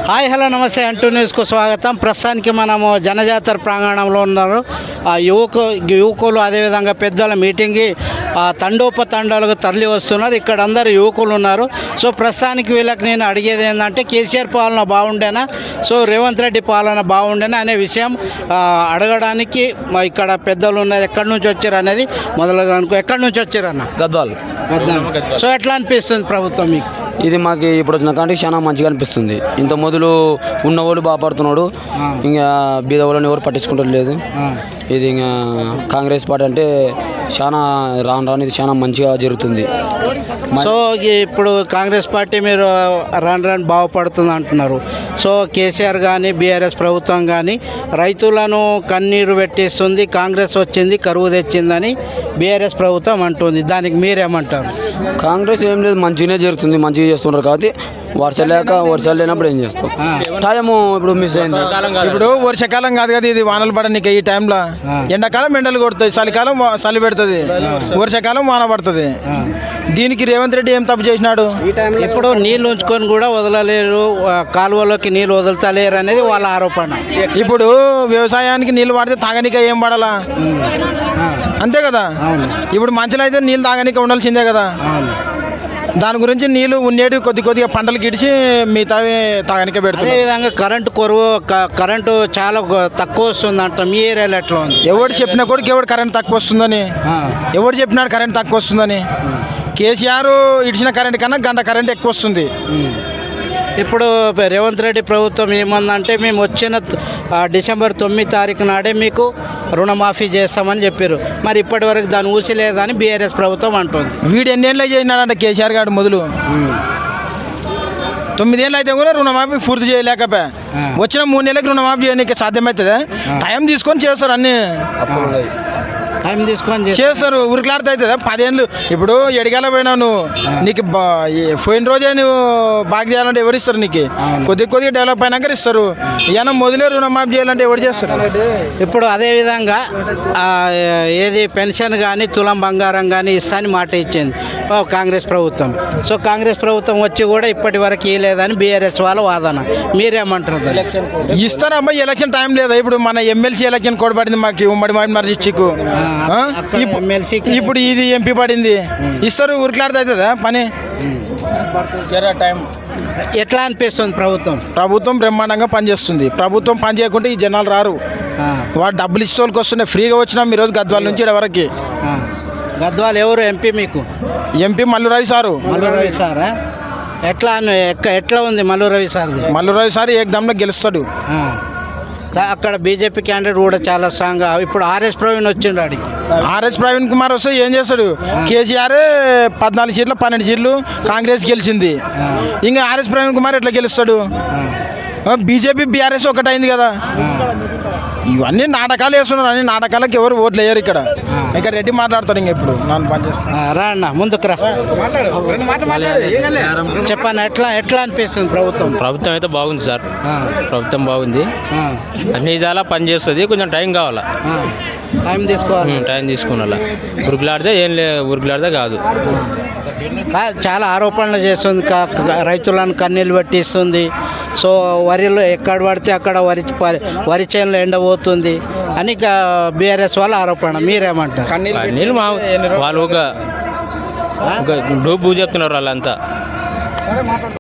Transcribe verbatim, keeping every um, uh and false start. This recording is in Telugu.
హాయ్ హలో నమస్తే అంటూ న్యూస్కు స్వాగతం. ప్రస్తుతానికి మనము జనజాతర ప్రాంగణంలో ఉన్నారు. ఆ యువకు యువకులు అదేవిధంగా పెద్దల మీటింగ్కి తండోపతండాలకు తరలి వస్తున్నారు. ఇక్కడ అందరు యువకులు ఉన్నారు. సో ప్రస్తుతానికి వీళ్ళకి నేను అడిగేది ఏంటంటే కేసీఆర్ పాలన బాగుండేనా, సో రేవంత్ రెడ్డి పాలన బాగుండేనా అనే విషయం అడగడానికి ఇక్కడ పెద్దలు ఉన్నారు. ఎక్కడి నుంచి వచ్చారు అనేది మొదలుగా అనుకో. ఎక్కడి నుంచి వచ్చారు అన్న? గద్వాల్. సో ఎట్లా అనిపిస్తుంది ప్రభుత్వం మీకు? ఇది మాకు ఇప్పుడు వచ్చిన కానీ చాలా మంచిగా అనిపిస్తుంది. ఇంత మొదలు ఉన్నవాళ్ళు బాగుపడుతున్నాడు, ఇంకా బీద వాళ్ళని ఎవరు పట్టించుకుంటారు లేదు. ఇది ఇంకా కాంగ్రెస్ పార్టీ అంటే చాలా రాను రాను ఇది చాలా మంచిగా జరుగుతుంది. సో ఇప్పుడు కాంగ్రెస్ పార్టీ మీరు రాను రాను బాగుపడుతుంది అంటున్నారు. సో కేసీఆర్ కానీ బీఆర్ఎస్ ప్రభుత్వం కానీ రైతులను కన్నీరు పెట్టిస్తుంది, కాంగ్రెస్ వచ్చింది కరువు తెచ్చిందని బీఆర్ఎస్ ప్రభుత్వం అంటుంది. దానికి మీరేమంటారు? కాంగ్రెస్ ఏం లేదు, మంచిగానే జరుగుతుంది, మంచిగా చేస్తున్నారు. కాబట్టి వర్షాలు లేక వర్షాలు లేనప్పుడు ఏం చేస్తాం? టైము ఇప్పుడు మిస్ అయింది. ఇప్పుడు వర్షాకాలం కాదు కదా, ఇది వానలు పడనీకి ఈ టైంలో. ఎండాకాలం ఎండలు కొడుతాయి, చలికాలం చలి పెడుతుంది, వర్షాకాలం వాన పడుతుంది. దీనికి రేవంత్ రెడ్డి ఏం తప్పు చేసినాడు? ఇప్పుడు నీళ్ళు ఉంచుకొని కూడా వదలలేరు, కాలువలోకి నీళ్ళు వదులుతలేరు అనేది వాళ్ళ ఆరోపణ. ఇప్పుడు వ్యవసాయానికి నీళ్ళు పడితే తాగనీక ఏం పడాలా? అంతే కదా. ఇప్పుడు మంచిలో అయితే నీళ్ళు తాగనీక ఉండాల్సిందే కదా. దాని గురించి నీళ్ళు ఉండేటి కొద్ది కొద్దిగా పంటలు గిడిచి మిగతా తాగనికే పెడుతుంది. అదేవిధంగా కరెంటు కొరవ కరెంటు చాలా తక్కువ వస్తుంది అంట. మీ ఏరియాలో ఎట్లా ఉంది? ఎవడు చెప్పినా కూడా ఎవడు కరెంట్ తక్కువ వస్తుందని, ఎవడు చెప్పినాడు కరెంట్ తక్కువ వస్తుందని? కేసీఆర్ ఇడిచిన కరెంట్ కన్నా గంట కరెంట్ ఎక్కువ వస్తుంది. ఇప్పుడు రేవంత్ రెడ్డి ప్రభుత్వం ఏమందంటే మేము వచ్చిన డిసెంబర్ తొమ్మిది తారీఖు నాడే మీకు రుణమాఫీ చేస్తామని చెప్పారు. మరి ఇప్పటి వరకు దాన్ని ఊసి లేదని బీఆర్ఎస్ ప్రభుత్వం అంటుంది. వీడు ఎన్నేళ్ళు చేసినాడంట కేసీఆర్ గారు మొదలు? తొమ్మిదేళ్ళు అయితే కూడా రుణమాఫీ పూర్తి చేయలేకపోయా. వచ్చిన మూడు నెలలకు రుణమాఫీ చేయడానికి సాధ్యమవుతుందా? టైం తీసుకొని చేస్తారు, అన్నీ టైం తీసుకొని చేస్తారు. ఉరికలాడితే అవుతుందా? పదేళ్ళు ఇప్పుడు ఎడిగాల పోయినావు నువ్వు, నీకు పోయిన రోజే నువ్వు బాగా చేయాలంటే ఎవరు ఇస్తారు? నీకు కొద్ది కొద్దిగా డెవలప్ అయినాక ఇస్తారు. ఏమన్నా మొదలే రుణమాఫీ చేయాలంటే ఎవరు చేస్తారు? ఇప్పుడు అదేవిధంగా ఏది పెన్షన్ కానీ తులం బంగారం కానీ ఇస్తాని మాట ఇచ్చింది కాంగ్రెస్ ప్రభుత్వం. సో కాంగ్రెస్ ప్రభుత్వం వచ్చి కూడా ఇప్పటి వరకు ఇవ్వలేదని బీఆర్ఎస్ వాళ్ళ వాదన. మీరేమంటారు? ఇస్తారమ్మా, ఎలక్షన్ టైం లేదా? ఇప్పుడు మన ఎమ్మెల్సీ ఎలక్షన్ కూడా పడింది మాకు, ఉమ్మడి మరి డిస్టిక్. ఇప్పుడు ఇది ఎంపీ పడింది, ఇస్తారు. ఉరికలాడితే అవుతుందా పని? ఎట్లా అనిపిస్తుంది ప్రభుత్వం? ప్రభుత్వం బ్రహ్మాండంగా పనిచేస్తుంది. ప్రభుత్వం పని చేయకుంటే ఈ జనాలు రారు. వాడు డబ్బులు ఇచ్చే వాళ్ళకి వస్తున్నాయి. ఫ్రీగా వచ్చినాం ఈరోజు గద్వాల నుంచి ఇక్కడి గద్వాల్ ఎవరు ఎంపీ మీకు? MP Mallu Ravi sir. మల్లు రవి సారా? ఎట్లా ఎట్లా ఉంది మల్లు రవి సార్? మల్లు రవి సార్ ఏకదమ్లో గెలుస్తాడు. అక్కడ బీజేపీ క్యాండిడేట్ కూడా చాలా స్ట్రాంగ్. ఇప్పుడు ఆర్ఎస్ ప్రవీణ్ వచ్చిండు ఆడికి. ఆర్ఎస్ ప్రవీణ్ కుమార్ వస్తే ఏం చేస్తాడు? కేసీఆర్ పద్నాలుగు సీట్లు పన్నెండు సీట్లు కాంగ్రెస్ గెలిచింది. ఇంకా ఆర్ఎస్ ప్రవీణ్ కుమార్ ఎట్లా గెలుస్తాడు? బీజేపీ బీఆర్ఎస్ ఒకటైంది కదా. ఇవన్నీ నాటకాలు వేస్తున్నారు. అన్ని నాటకాలకు ఎవరు ఓట్లు వేయరు ఇక్కడ. ఇంకా రెడ్డి మాట్లాడతాడు. ఇంకా ఇప్పుడు నన్ను పని చేస్తాను. రా అన్న ముందుకు రా, చెప్పాను. ఎట్లా ఎట్లా అనిపిస్తుంది ప్రభుత్వం? ప్రభుత్వం అయితే బాగుంది సార్, ప్రభుత్వం బాగుంది, అన్ని విధాలా పని చేస్తుంది. కొంచెం టైం కావాలా, టైం తీసుకోవాలి. టైం తీసుకున్నా ఉరుకులాడితే ఏం లే ఉరుకులాడితే కాదు. చాలా ఆరోపణలు చేస్తుంది, రైతులను కన్నీళ్ళు పెట్టిస్తుంది. సో వరిలో ఎక్కడ పడితే అక్కడ వరి వరి చేనులో ఎండబోతుంది అని బీఆర్ఎస్ వాళ్ళ ఆరోపణ. మీరేమంటారు? కన్నీళ్ళు మా వాళ్ళు ఒక డబ్బు చెప్తున్నారు వాళ్ళంతా.